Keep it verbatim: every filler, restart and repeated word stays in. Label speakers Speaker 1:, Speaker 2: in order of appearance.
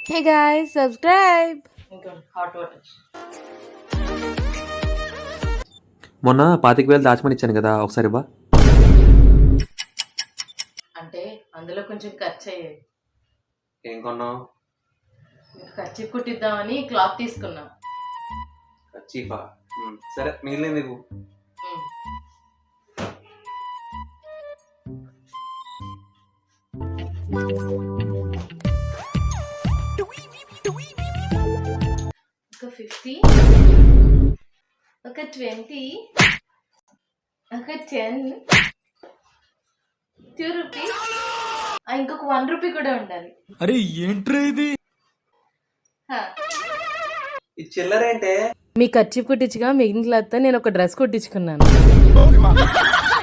Speaker 1: Hey guys, subscribe.
Speaker 2: Hot water
Speaker 3: మొన్న పాతిక వేలు దాచమని ఇచ్చాను కదా, ఒకసారి ఇవ్వ.
Speaker 2: అంటే అందులో కొంచెం ఖర్చు అయ్యేది.
Speaker 3: ఏం కొన్నావు?
Speaker 2: మీకు ఖర్చు కుట్టిద్దామని క్లాత్ తీసుకున్నా.
Speaker 3: చీఫా? సరే, మిగిలింది ఇవ్వు.
Speaker 2: ఉమ్. ఒక ఫిఫ్టీ, ఒక ట్వంటీ, ఒక టెన్, టూ రూపీస్, ఇంకొక వన్ రూపీ కూడా ఉండాలి.
Speaker 4: అరే ఏంట్రా ఇది?
Speaker 2: హా.
Speaker 3: ఈ చిల్లరేంటే?
Speaker 1: మీ ఖర్చు కుట్టించగా మిగిలిన క్లాత్ నేను ఒక డ్రెస్ కుట్టించుకున్నాను.